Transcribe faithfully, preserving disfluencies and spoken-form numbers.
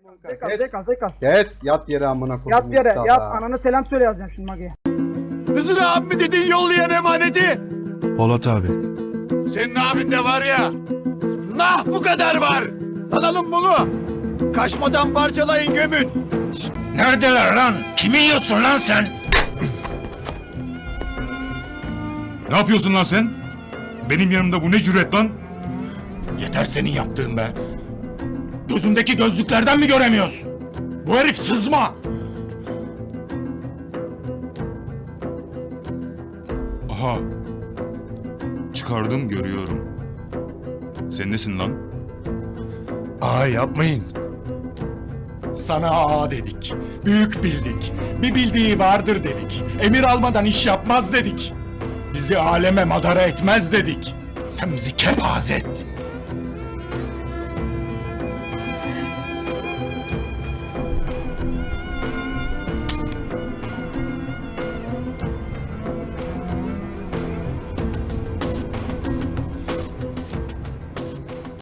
Zekal, Zekal, Zekal. Kes yat yere amına koyayım. Yat yere, Mustafa. yat. Anana selam söyle yazacağım şimdi Magi'ye. Hızır abim mi dediğin yollayan emaneti? Polat abi. Senin abin de var ya. Nah bu kadar var. Alalım bunu. Kaçmadan parçalayın gömün. Neredeler lan? Kimi yiyorsun lan sen? Ne yapıyorsun lan sen? Benim yanımda bu ne cüret lan? Yeter senin yaptığın be. Gözümdeki gözlüklerden mi göremiyorsun? Bu herif sızma. Aha. Çıkardım görüyorum. Sen nesin lan? Aa yapmayın. Sana ağa dedik. Büyük bildik. Bir bildiği vardır dedik. Emir almadan iş yapmaz dedik. Bizi aleme madara etmez dedik. Sen bizi kepaze ettin.